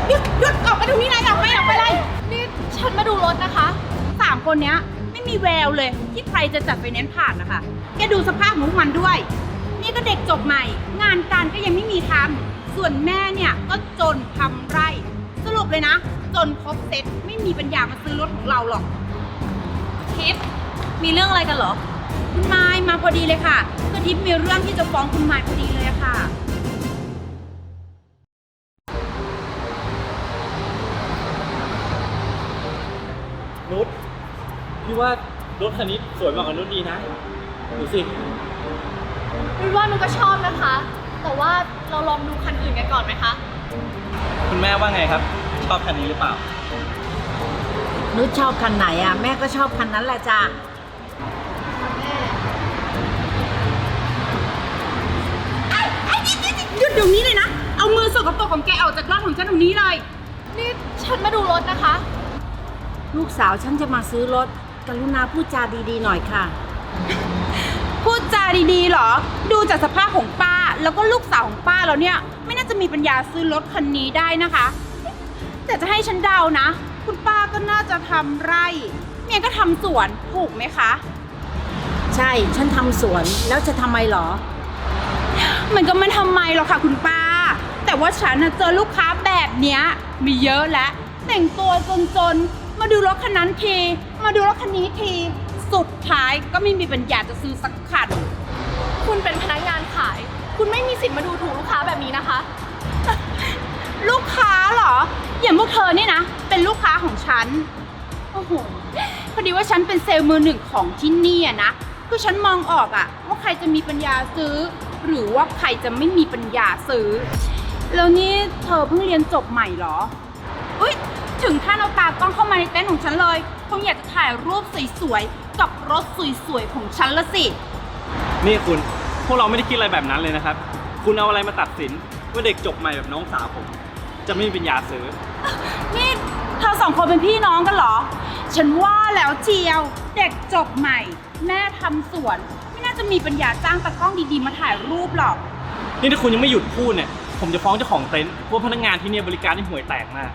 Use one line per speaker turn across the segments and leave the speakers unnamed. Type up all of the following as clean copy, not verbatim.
หยุดออกไปตรงนี้เลยออกไปเลยนี่ฉันมาดูรถนะคะ3 คนเนี้ยไม่มีแววเลยที่ใครจะจัดไฟแนนซ์ผ่านนะคะแกดูสภาพของมันด้วยนี่ก็เด็กจบใหม่งานการก็ยังไม่มีทำส่วนแม่เนี่ยก็จนทำไร่สรุปเลยนะจนครบเซ็ตไม่มีปัญญามาซื้อรถของเราหรอกทิพย์มีเรื่องอะไรกันเหรอคุณไมค์มาพอดีเลยค่ะคือทิพย์มีเรื่องที่จะฟ้องคุณไมค์พอดีเลยอะค่ะ
นุชพี่ว่ารถคันนี้สวยมากกว่านุชดีนะดูสิ
นุชว่านุชก็ชอบนะคะ แต่ว่าเราลองดูคันอื่นกันก่อนไหมคะ
คุณแม่ว่าไงครับชอบคันนี้หรือเปล่า
นุชชอบคันไหนอ่ะแม่ก็ชอบคันนั้นแหละจ้ะ
หยุดเดี๋ยวนี้เลยนะเอามือสกปรกของแกออกจากรถของฉันตรงนี้เลย
นี่ฉันมาดูรถนะคะ
ลูกสาวฉันจะมาซื้อรถกรุณาพูดจาดีๆหน่อยค่ะ
พูดจาดีๆเหรอดูจากสภาพของป้าแล้วก็ลูกสาวของป้าแล้วเนี่ยไม่น่าจะมีปัญญาซื้อรถคันนี้ได้นะคะแต่จะให้ฉันเดานะคุณป้าก็น่าจะทำไร่เมียก็ทำสวนถูกไหมคะ
ใช่ฉันทำสวนแล้วจะทำไมหรอ
มันก็ไม่ทำไมหรอกค่ะคุณป้าแต่ว่าฉันน่ะเจอลูกค้าแบบเนี้ยมีเยอะแล้วแต่งตัวจนๆมาดูรถคันนั้นทีมาดูรถคันนี้ทีสุดท้ายก็ไม่มีปัญญาจะซื้อสักคัน
คุณเป็นพนักงานขาย คุณไม่มีสิทธิ์มาดูถูกลูกค้าแบบนี้นะคะ
ลูกค้าเหรออย่างพวกเธอนี่นะเป็นลูกค้าของฉันโอ้โหพอดีว่าฉันเป็นเซลล์มือหนึ่งของที่นี่อะนะคือฉันมองออกอะว่าใครจะมีปัญญาซื้อ หรือว่าใครจะไม่มีปัญญาซื้อแล้วนี่เธอเพิ่งเรียนจบใหม่เหรออุ๊ยถึงขั้นเอาตากล้องเข้ามาในเต็นท์ของฉันเลยคงอยากจะถ่ายรูปสวยๆกับรถสวยๆของฉันละสิ
นี่คุณพวกเราไม่ได้คิดอะไรแบบนั้นเลยนะครับคุณเอาอะไรมาตัดสินว่าเด็กจบใหม่แบบน้องสาวผมจะไม่มีปัญญาซื้อ
นี่เธอ2 คนเป็นพี่น้องกันเหรอฉันว่าแล้วเจียวเด็กจบใหม่แม่ทำสวนไม่น่าจะมีปัญญาจ้างตากล้องดีๆมาถ่ายรูปหรอก
นี่ถ้าคุณยังไม่หยุดพูดเนี่ยผมจะฟ้องเจ้าของเต็นท์พวกพนักงานที่เนี่ยบริการที่ห่วยแตกมาก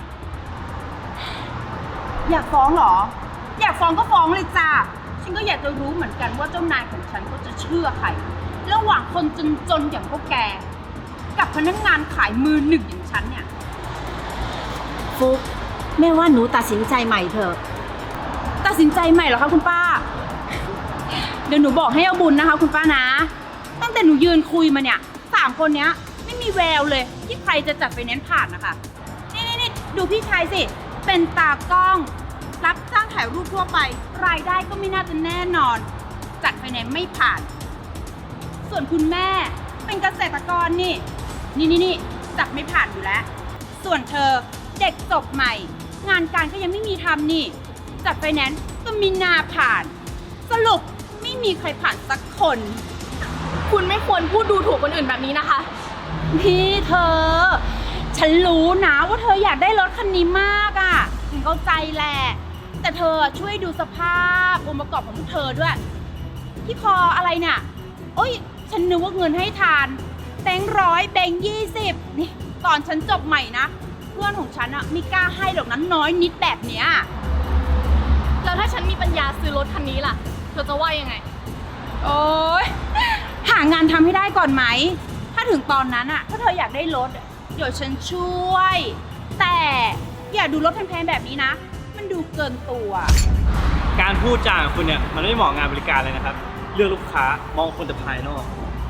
อยากฟ้องเหรออยากฟ้องก็ฟ้องเลยจ้าฉันก็อยากจะรู้เหมือนกันว่าเจ้านายของฉันก็จะเชื่อใครระหว่างคนจนๆอย่างพวกแกกับพนักงานขายมือหนึ่งอย่างฉันเนี่ย
ฟุกแม่ว่าหนูตัดสินใจใหม่เถอะ
ตัดสินใจใหม่เหรอคะคุณป้า เดี๋ยวหนูบอกให้เอาบุญนะคะคุณป้านะ ตั้งแต่หนูยืนคุยมาเนี่ย3 คนเนี้ยไม่มีแววเลยที่ใครจะจัดไฟแนนซ์ผ่านนะคะนี่ดูพี่ชายสิเป็นตากล้องรับจ้างถ่ายรูปทั่วไปรายได้ก็ไม่น่าจะแน่นอน จัดไฟแนนซ์ไม่ผ่าน ส่วนคุณแม่เป็นเกษตรกรนี่จัดไม่ผ่านอยู่แล้ว ส่วนเธอเด็กจบใหม่ งานการก็ยังไม่มีทำนี่จัดไฟแนนซ์ก็มีนาผ่าน สรุปไม่มีใครผ่านสักคน
คุณไม่ควรพูดดูถูกคนอื่นแบบนี้นะคะ
พี่เธอ ฉันรู้นะว่าเธออยากได้รถคันนี้มากอ่ะถึงเข้าใจแหละแต่เธอช่วยดูสภาพองค์ประกอบของพวกเธอด้วยที่คออะไรเนี่ยโอ้ยฉันนึกว่าเงินให้ทานแบงค์100แบงค์20นี่ตอนฉันจบใหม่นะเพื่อนของฉันอะไม่กล้าให้หรอกนั้นน้อยนิดแบบเนี้ย
แล้วถ้าฉันมีปัญญาซื้อรถคันนี้ล่ะ เธอจะว่ายังไง
โอ๊ยหางานทำให้ได้ก่อนไหมถ้าถึงตอนนั้นอะถ้าเธออยากได้รถเดี๋ยวฉันช่วย แต่อย่าดูรถแพงๆแบบนี้นะ มันดูเกินตัว
การพูดจาของคุณเนี่ยมันไม่เหมาะงานบริการเลยนะครับเลือกลูกค้ามองคนแต่ภายนอก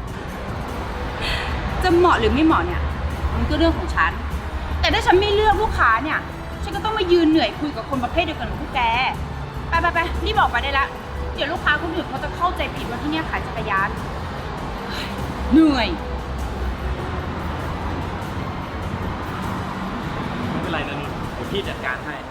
จะเหมาะหรือไม่เหมาะเนี่ยมันก็เรื่องของฉัน แต่ถ้าฉันไม่เลือกลูกค้าเนี่ยฉันก็ต้องมายืนเหนื่อยคุยกับคนประเภทเดียวกันกับพวกแกไปรีบออกไปได้ละเดี๋ยวลูกค้าคนอื่นเขาจะเข้าใจผิดว่าที่เนี่ยขายจักรยานเหนื่อย
ไม่เป็นไรนะนุชเดี๋ยวพี่จัดการให้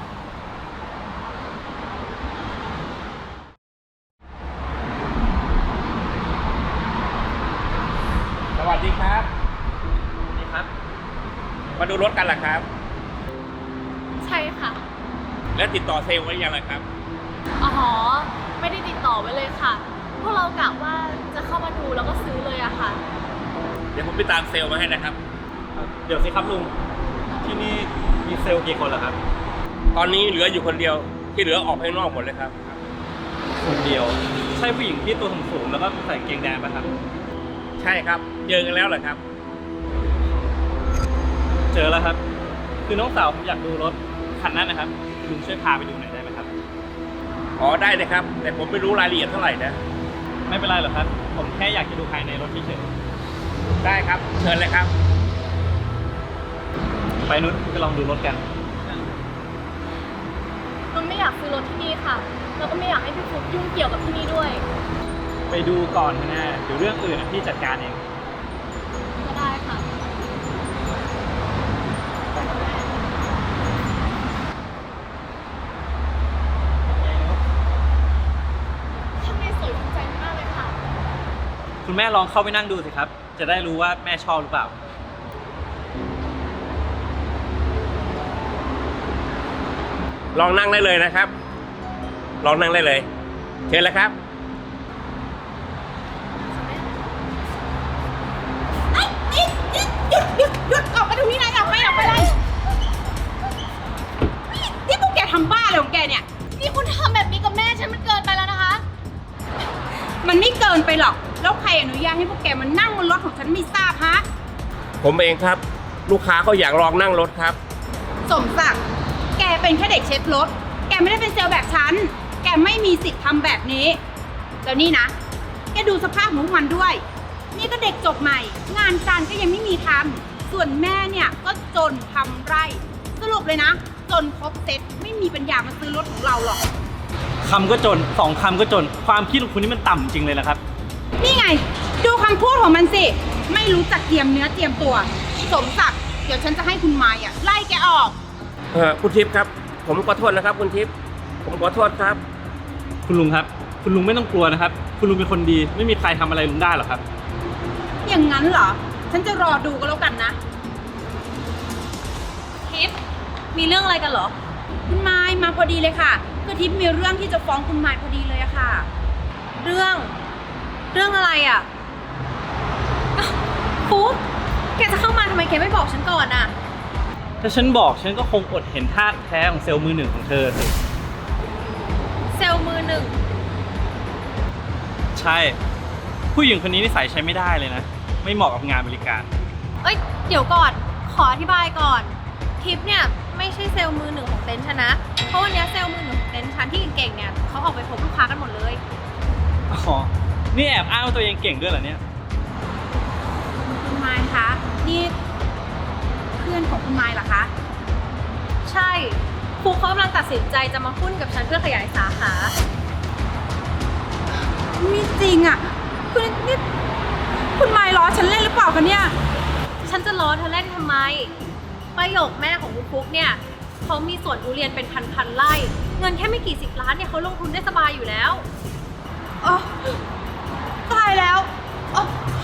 สวัสดีครับ
นี่ครับ
มาดูรถกันเหรอครับ
ใช่ค่ะ
แล้วติดต่อเซลล์ไว้ยังไงครับ
อ๋อ ไม่ได้ติดต่อไว้เลยค่ะ พวกเรากะว่าจะเข้ามาดูแล้วก็ซื้อเลยอะค่ะ
เดี๋ยวผมไปตามเซลล์มาให้นะครับ
เดี๋ยวสิครับลุงที่ที่นี่มีเซลล์กี่คนเหรอครับ
ตอนนี้เหลืออยู่คนเดียว ที่เหลือออกไปข้างนอกหมดเลยครับ
คนเดียว ใช่ผู้หญิงที่ตัวสูงๆแล้วก็ใส่กางเกงแดงป่ะครับ
ใช่ครับ เจอกันแล้วเหรอครับ
เจอแล้วครับ คือน้องสาวผมอยากดูรถคันนั้นนะครับลุงช่วยพาไปดูหน่อยได้ไหมครับ
อ๋อได้เลยครับ แต่ผมไม่รู้รายละเอียดเท่าไหร่นะ
ไม่เป็นไรหรอกครับ ผมแค่อยากจะดูภายในรถเฉย
ได้ครับ เชิญเลยครับ
ๆไปนุชไปลองดูรถกัน
มันไม่อยากซื้อรถที่นี่ค่ะ แล้วก็ไม่อยากให้พี่ฟุ๊กยุ่งเกี่ยวกับที่นี่ด้วย
ไปดูก่อนนะเดี๋ยวเรื่องอื่นพี่จัดการเอง
ก็ได้ค่ะ ข้างในสวยถูกใจมากเลยค่ะ
คุณแม่ลองเข้าไปนั่งดูสิครับ จะได้รู้ว่าแม่ชอบหรือเปล่า
ลองนั่งได้เลยนะครับ ลองนั่งได้เลย เชิญเลยครับ
หยุดออกไปตรงนี้นะออกไปเลยนี่พวกแกทำบ้าอะไรของแกเนี่ย
นี่คุณทำแบบนี้กับแม่ฉันมันเกินไปแล้วนะคะ
มันไม่เกินไปหรอก แล้วใครอนุญาตให้พวกแกมานั่งบนรถของฉันไม่ทราบฮะ
ผมเองครับ ลูกค้าเขาอยากลองนั่งรถครับ
สมศักดิ์แกเป็นแค่เด็กเช็ดรถ แกไม่ได้เป็นเซลล์แบบฉัน แกไม่มีสิทธิ์ทำแบบนี้ แล้วนี่นะ แกดูสภาพของพวกมันด้วย นี่ก็เด็กจบใหม่ งานการก็ยังไม่มีทำ ส่วนแม่เนี่ยก็จนทำไร่ สรุปเลยนะ จนครบเซ็ตไม่มีปัญญามาซื้อรถของเราหรอก
คำก็จนสองคำก็จน ความคิดของคุณนี่มันต่ำจริงเลยนะครับ
นี่ไง ดูคำพูดของมันสิ ไม่รู้จักเตรียมเนื้อเตรียมตัว สมศักดิ์เดี๋ยวฉันจะให้คุณมายไล่แกออก
คุณทิพย์ครับ ผมขอโทษนะครับ คุณทิพย์ผมขอโทษครับ
คุณลุงครับ คุณลุงไม่ต้องกลัวนะครับ คุณลุงเป็นคนดี ไม่มีใครทำอะไรลุงได้หรอกครับ
อย่างนั้นเหรอ ฉันจะรอดูก็แล้วกันนะ
ทิพย์มีเรื่องอะไรกันเหรอ
คุณมายมาพอดีเลยค่ะคือทิพย์มีเรื่องที่จะฟ้องคุณมายพอดีเลยอะค่ะ
เรื่องอะไรอ่ะอ้าวฟุ๊กแกจะเข้ามาทำไมแกไม่บอกฉันก่อนอ่ะ
ถ้าฉันบอกฉันก็คงอดเห็นท่าแท้ของเซลล์มือหนึ่งของเธอสิ
เซลล์มือหนึ่ง
ใช่ ผู้หญิงคนนี้นิสัยใช้ไม่ได้เลยนะ ไม่เหมาะกับงานบริการ
เอ้ย เดี๋ยวก่อน ขออธิบายก่อน ทิปเนี่ยไม่ใช่เซลล์มือหนึ่งของเต็นท์ฉันนะ เพราะวันนี้เซลล์มือหนึ่งของเต็นท์ฉันที่เก่งๆเนี่ยเขาออกไปพบลูกค้ากันหมดเลย
อ๋อ นี่แอบอ้างว่าตัวเองเก่งด้วยเหรอเนี่ย
คุณมายคะ นี่เพื่อนของคุณมายเหรอคะ
ใช่ครูเขากำลังตัดสินใจจะมาหุ้นกับฉันเพื่อขยายสาขา
ไม่จริงอะคือนี่คุณมายล้อฉันเล่นหรือเปล่าคะเนี่ย
ฉันจะล้อเธอเล่นทำไม ประโยคแม่ของคุณฟุ๊กเนี่ยเขามีสวนทุเรียนเป็นพันๆไร่ เงินแค่ไม่กี่10 ล้านเนี่ยเขาลงทุนได้สบายอยู่แล้ว
อ๋อ ตายแล้วอ๋อ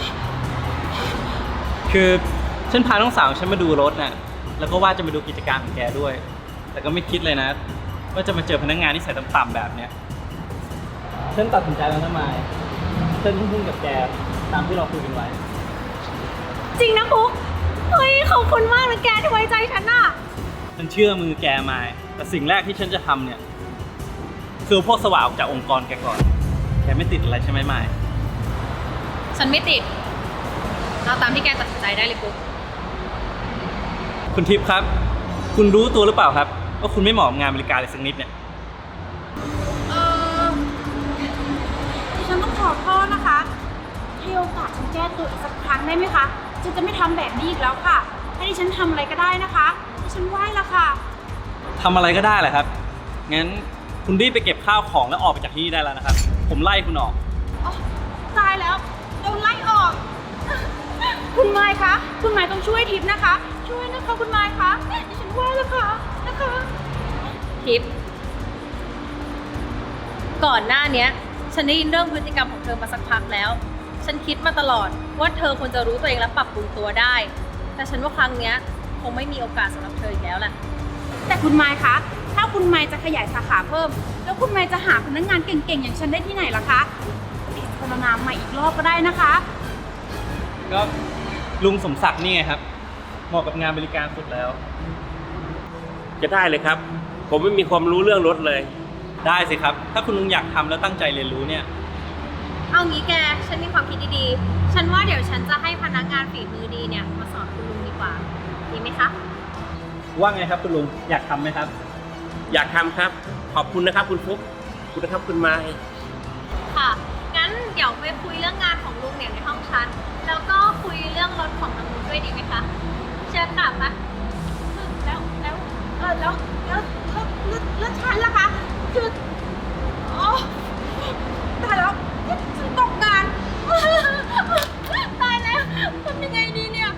คือฉันพาน้องสาวฉันมาดูรถน่ะ แล้วก็ว่าจะมาดูกิจการของแกด้วย แต่ก็ไม่คิดเลยนะว่าจะมาเจอพนักงานที่ใส่ต่ำๆแบบเนี้ย ฉันตัดสินใจแล้วนะมายฉันหุ้นกับแกตามที่เราคุยกันไว้
จริงนะฟุ๊กเฮ้ยขอบคุณมากนะแกที่ไว้ใจฉันน่ะ
ฉันเชื่อมือแกมายแต่สิ่งแรกที่ฉันจะทำเนี่ยคือพวกสว่างออกจากองค์กรแกก่อน แกไม่ติดอะไรใช่ไหมมาย
ฉันไม่ติดเอาตามที่แกตัดสินใจได้เลยฟุ๊ก
คุณทิพย์ครับ คุณรู้ตัวหรือเปล่าครับว่าคุณไม่เหมาะกับงานบริการเลยสักนิดเนี่ย
ดิฉันต้องขอโทษนะคะ ให้โอกาสฉันแก้ตัวอีกสักครั้งได้ไหมคะ ฉันจะไม่ทำแบบนี้อีกแล้วค่ะ ให้ดิฉันทำอะไรก็ได้นะคะดิฉันไหว้ละค่ะ
ทำอะไรก็ได้แหละครับ งั้นคุณรีบไปเก็บข้าวของแล้วออกไปจากที่นี่ได้แล้วนะครับ ผมไล่คุณออก
อ๋อ ตายแล้วโดนไล่ออก คุณไม้คะ คุณไม้ต้องช่วยทิพย์นะคะ ช่วยนะคะคุณไม้คะดิฉันไหว้ละค่ะนะคะ
ทิปก่อนหน้าเนี้ย ฉันได้ยินเรื่องพฤติกรรมของเธอมาสักพักแล้ว ฉันคิดมาตลอดว่าเธอควรจะรู้ตัวเองและปรับปรุงตัวได้ แต่ฉันว่าครั้งเนี้ยคงไม่มีโอกาสสำหรับเธออีกแล้วแหละ
แต่คุณไม้คะ ถ้าคุณไม้จะขยายสาขาเพิ่ม แล้วคุณไม้จะหาพนักงานเก่งๆอย่างฉันได้ที่ไหนล่ะคะพิจารณาใหม่อีกรอบก็ได้นะคะ
ก็ลุงสมศักดิ์นี่ไงครับเหมาะกับงานบริการสุดแล้ว
จะได้เลยครับ ผมไม่มีความรู้เรื่องรถเลย
ได้สิครับ ถ้าคุณลุงอยากทำแล้วตั้งใจเรียนรู้เนี่ย
เอางี้แก ฉันมีความคิดดีๆ ฉันว่าเดี๋ยวฉันจะให้พนักงานฝีมือดีเนี่ยมาสอนคุณลุงดีกว่า ดีไหมคะ
ว่าไงครับคุณลุง อยากทำไหมครับ
อยากทำครับ ขอบคุณนะครับคุณฟุ๊กขอบคุณนะครับคุณไม้
ค่ะ งั้นเดี๋ยวไปคุยเรื่องงานของลุงเนี่ยในห้องฉัน แล้วก็คุยเรื่องรถของทางลุงด้วยดีไหมคะ เชิญค่ะปะ
แล้วฉันล่ะคะคืออ๋อตายแล้วฉันตกงาน ตายแล้วทำยังไงดีเนี่ย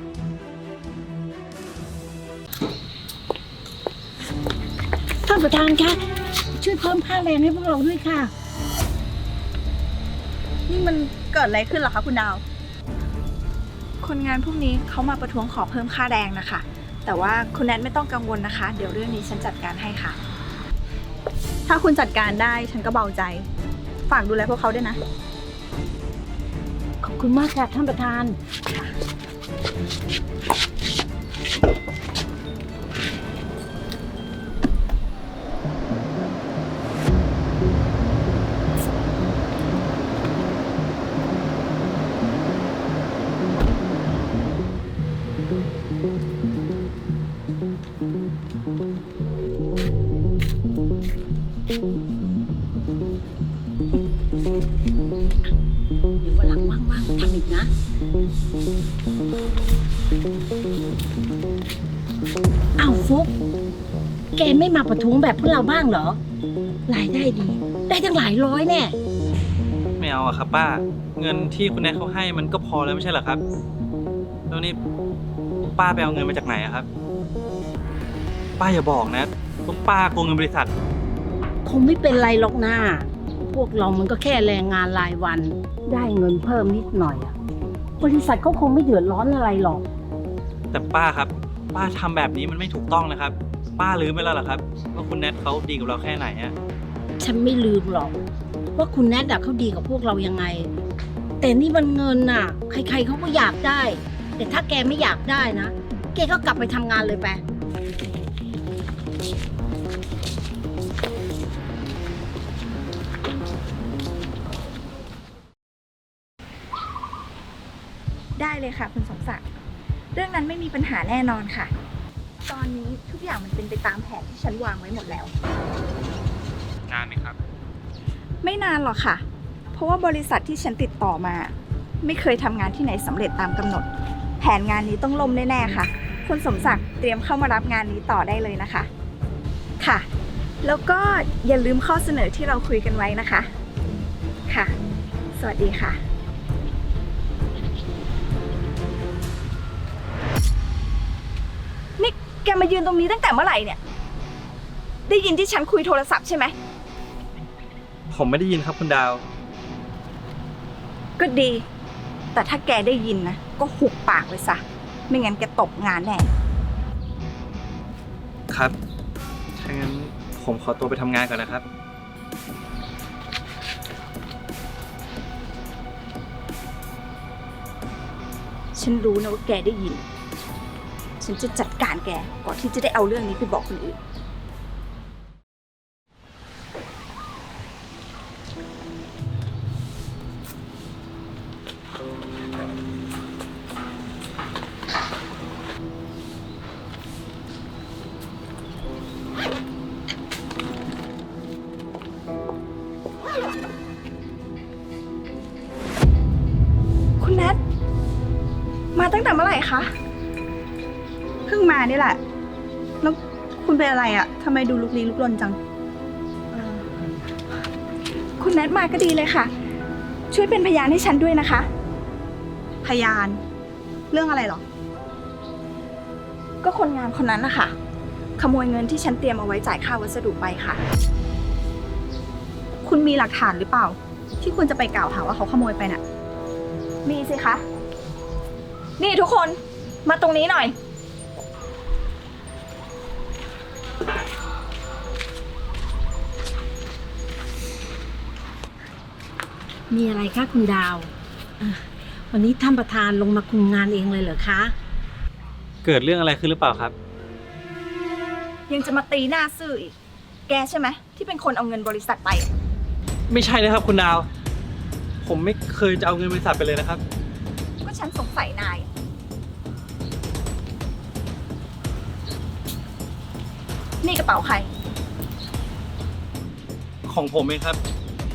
ท่านประธานคะช่วยเพิ่มค่าแรงให้พวกเราด้วยค่ะ
นี่มันเกิดอะไรขึ้นเหรอคะคุณดาว คนงานพวกนี้เขามาประท้วงขอเพิ่มค่าแรงนะคะ แต่ว่าคุณแนทไม่ต้องกังวลนะคะ เดี๋ยวเรื่องนี้ฉันจัดการให้ค่ะ ถ้าคุณจัดการได้ฉันก็เบาใจ ฝากดูแลพวกเขาด้วยนะ
ขอบคุณมากค่ะท่านประธาน เดี๋ยววันหลังว่างๆทำอีกนะ อ้าวฟุก แกไม่มาประท้วงแบบพวกเราบ้างเหรอ รายได้ดี ได้ตั้งหลายร้อยแน่
ไม่เอาอะครับป้า เงินที่คุณแนทเขาให้มันก็พอแล้วไม่ใช่เหรอครับ แล้วนี่ป้าไปเอาเงินมาจากไหนอะครับ ป้าอย่าบอกนะว่าป้าโกงเงินบริษัท
คงไม่เป็นไรหรอกนะพวกเรามันก็แค่แรงงานรายวัน ได้เงินเพิ่มนิดหน่อยอะบริษัทเขาคงไม่เดือดร้อนอะไรหรอก
แต่ป้าครับ ป้าทำแบบนี้มันไม่ถูกต้องนะครับ ป้าลืมไปแล้วเหรอครับว่าคุณแนทเขาดีกับเราแค่ไหนอะ
ฉันไม่ลืมหรอก ว่าคุณแนทเขาดีกับพวกเรายังไง แต่นี่มันเงินน่ะ ใครๆเขาก็อยากได้ แต่ถ้าแกไม่อยากได้นะ แกก็กลับไปทำงานเลยไป
ได้เลยค่ะคุณสมศักดิ์ เรื่องนั้นไม่มีปัญหาแน่นอนค่ะ ตอนนี้ทุกอย่างมันเป็นไปตามแผนที่ฉันวางไว้หมดแล้ว
งานไหมครับ
ไม่นานหรอกค่ะ เพราะว่าบริษัทที่ฉันติดต่อมา ไม่เคยทำงานที่ไหนสำเร็จตามกำหนด แผนงานนี้ต้องล่มแน่ๆค่ะ คุณสมศักดิ์เตรียมเข้ามารับงานนี้ต่อได้เลยนะคะ ค่ะ แล้วก็อย่าลืมข้อเสนอที่เราคุยกันไว้นะคะ ค่ะ สวัสดีค่ะ นี่แกมายืนตรงนี้ตั้งแต่เมื่อไหร่เนี่ย ได้ยินที่ฉันคุยโทรศัพท์ใช่ไหม
ผมไม่ได้ยินครับคุณดาว
ก็ดี แต่ถ้าแกได้ยินนะ ก็หุบปากไว้ซะ ไม่งั้นแกตกงานแน่
ครับ ถ้างั้นผมขอตัวไปทำงานก่อนนะครับ
ฉันรู้นะว่าแกได้ยิน ฉันจะจัดการแกก่อนที่จะได้เอาเรื่องนี้ไปบอกคนอื่น คุณแนทมาตั้งแต่เมื่อไหร่คะ เพิ่งมานี่แหละ แล้วคุณเป็นอะไรอะทำไมดูลุกลี้ลุกลนจัง คุณแนทมาก็ดีเลยค่ะ ช่วยเป็นพยานให้ฉันด้วยนะคะ พยาน เรื่องอะไรหรอ ก็คนงานคนนั้นนะคะขโมยเงินที่ฉันเตรียมเอาไว้จ่ายค่าวัสดุไปค่ะ คุณมีหลักฐานหรือเปล่า ที่คุณจะไปกล่าวหาว่าเขาขโมยไปน่ะ มีสิคะ นี่ทุกคน มาตรงนี้หน่อย
มีอะไรคะคุณดาววันนี้ท่านประธานลงมาคุมงานเองเลยเหรอคะ
เกิดเรื่องอะไรขึ้นหรือเปล่าครับ
ยังจะมาตีหน้าซื่ออีก แกใช่ไหมที่เป็นคนเอาเงินบริษัทไป
ไม่ใช่นะครับคุณดาว ผมไม่เคยจะเอาเงินบริษัทไปเลยนะครับ
ก็ฉันสงสัยนาย นี่กระเป๋าใคร
ของผมเองครับ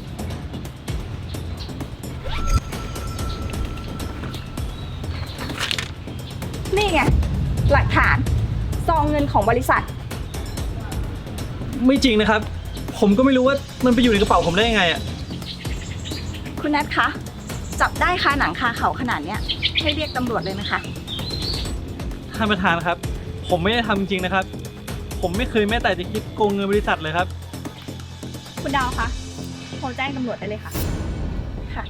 นี่ไง หลักฐานซองเงินของบริษัท
ไม่จริงนะครับ ผมก็ไม่รู้ว่ามันไปอยู่ในกระเป๋าผมได้ยังไงอะ
คุณแนทคะ จับได้คาหนังคาเขาขนาดเนี้ยให้เรียกตำรวจเลยนะคะ
ท่านประธานครับ ผมไม่ได้ทำจริงๆนะครับ ผมไม่เคยแม้แต่จะคิดโกงเงินบริษัทเลยครับ
คุณดาวคะโทรแจ้งตำรวจได้เลยค่ะ ค่ะ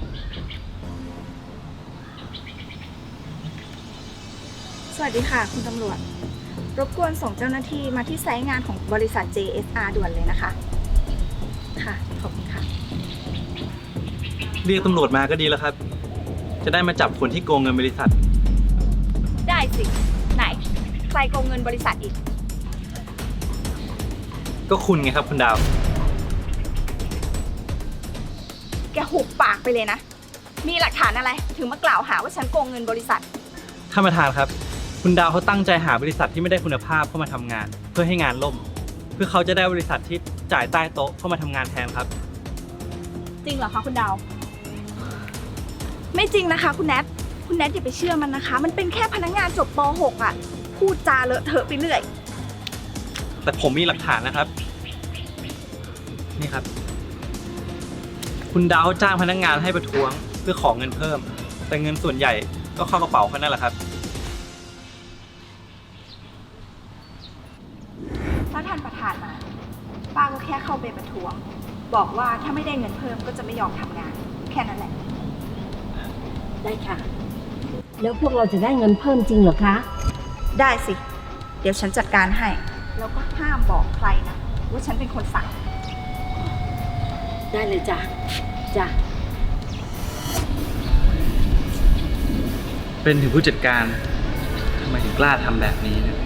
สวัสดีค่ะ คุณตำรวจ รบกวนส่งเจ้าหน้าที่มาที่ไซต์งานของบริษัท JSR ด่วนเลยนะคะ ค่ะ ขอบคุณค่ะ
เรียกตำรวจมาก็ดีแล้วครับ จะได้มาจับคนที่โกงเงินบริษัท
ได้สิ ไหน ใครโกงเงินบริษัทอีก
ก็คุณไงครับคุณดาว
แกหุบปากไปเลยนะ มีหลักฐานอะไร ถึงมากล่าวหาว่าฉันโกงเงินบริษัท
ท่านประธานครับ คุณดาวเขาตั้งใจหาบริษัทที่ไม่ได้คุณภาพเข้ามาทำงาน เพื่อให้งานล่ม เพื่อเขาจะได้บริษัทที่จ่ายใต้โต๊ะเข้ามาทำงานแทนครับ
จริงเหรอคะคุณดาว ไม่จริงนะคะ คุณแนท คุณแนทอย่าไปเชื่อมันนะคะ มันเป็นแค่พนักงานจบป .6 อ่ะ พูดจาเลอะเทอะไปเรื่อย
แต่ผมมีหลักฐานนะครับ นี่ครับ คุณดาวจ้างพนักงานให้ประท้วงเพื่อขอเงินเพิ่ม แต่เงินส่วนใหญ่ก็เข้ากระเป๋าเขานั่นแหละครับ
ถ้าท่านประธานมา ป้าก็แค่เข้าไปประท้วง บอกว่าถ้าไม่ได้เงินเพิ่มก็จะไม่ยอมทำงาน แค่นั้นแหละ
ได้ค่ะ แล้วพวกเราจะได้เงินเพิ่มจริงเหรอคะ
ได้สิ เดี๋ยวฉันจัดการให้ แล้วก็ห้ามบอกใครนะ ว่าฉันเป็นคนสั่ง
ได้เลยจ้ะ จ้ะ
เป็นถึงผู้จัดการทำไมถึงกล้าทำแบบนี้เนี่ย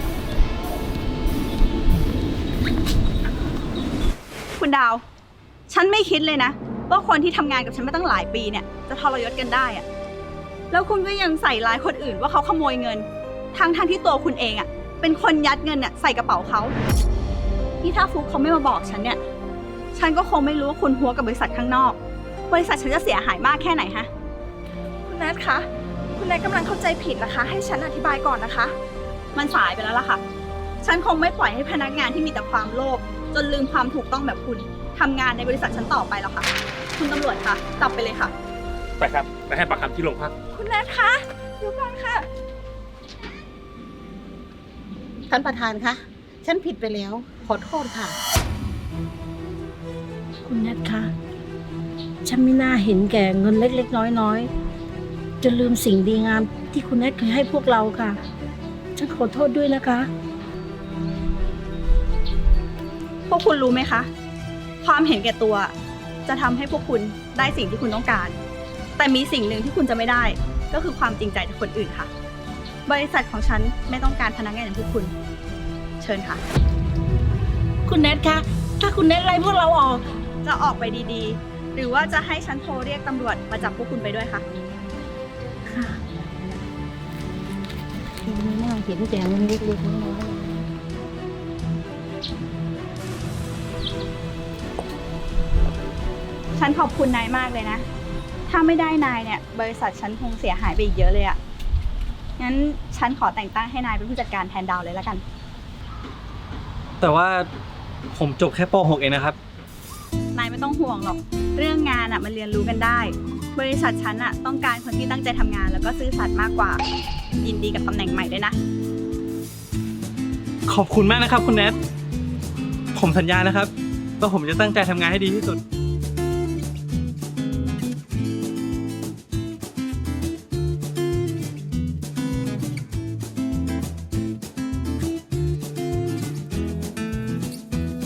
คุณดาว ฉันไม่คิดเลยนะว่าคนที่ทำงานกับฉันมาตั้งหลายปีเนี่ยจะทรยศกันได้อะแล้วคุณก็ยังใส่ร้ายคนอื่นว่าเขาขโมยเงินทั้งที่ตัวคุณเองอะเป็นคนยัดเงินเนี่ยใส่กระเป๋าเขานี่ถ้าฟุกเขาไม่มาบอกฉันเนี่ย ฉันก็คงไม่รู้ว่าคุณหัวกับบริษัทข้างนอก บริษัทฉันจะเสียหายมากแค่ไหนฮะ
คุณแนทคะ คุณแนทกำลังเข้าใจผิดนะคะ ให้ฉันอธิบายก่อนนะคะ
มันสายไปแล้วล่ะค่ะ ฉันคงไม่ปล่อยให้พนักงานที่มีแต่ความโลภจนลืมความถูกต้องแบบคุณทำงานในบริษัทฉันต่อไปแล้วค่ะ คุณตำรวจคะจับไปเลยค่ะ
ไปครับ ไปให้ปากคำที่โรงพัก
คุณแนทคะเดี๋ยวก่อนค่ะ
ท่านประธานคะ ฉันผิดไปแล้ว ขอโทษค่ะ คุณแนทคะ ฉันไม่น่าเห็นแก่เงินเล็กๆน้อยๆจนลืมสิ่งดีงามที่คุณแนทเคยให้พวกเราค่ะ ฉันขอโทษด้วยนะคะ
พวกคุณรู้ไหมคะ ความเห็นแก่ตัวจะทำให้พวกคุณได้สิ่งที่คุณต้องการ แต่มีสิ่งหนึ่งที่คุณจะไม่ได้ ก็คือความจริงใจจากคนอื่นค่ะ บริษัทของฉันไม่ต้องการพนักงานอย่างพวกคุณ เชิญค่ะ
คุณแนทคะ ถ้าคุณแนทไล่พวกเราออก
จะออกไปดีๆ หรือว่าจะให้ฉันโทรเรียกตำรวจมาจับพวกคุณไปด้วยคะ
ค่ะไม่น่าเห็นแก่เงินเล็กๆน้อยๆ
ฉันขอบคุณนายมากเลยนะ ถ้าไม่ได้นายเนี่ย บริษัทฉันคงเสียหายไปอีกเยอะเลยอะงั้นฉันขอแต่งตั้งให้นายเป็นผู้จัดการแทนดาวเลยแล้วกัน
แต่ว่าผมจบแค่ป .6 เองนะครับ
นายไม่ต้องห่วงหรอก เรื่องงานอะมันเรียนรู้กันได้ บริษัทฉันอะต้องการคนที่ตั้งใจทำงานแล้วก็ซื่อสัตย์มากกว่า ยินดีกับตำแหน่งใหม่ด้วยนะ
ขอบคุณมากนะครับคุณแนท ผมสัญญานะครับว่าผมจะตั้งใจทำงานให้ดีที่สุด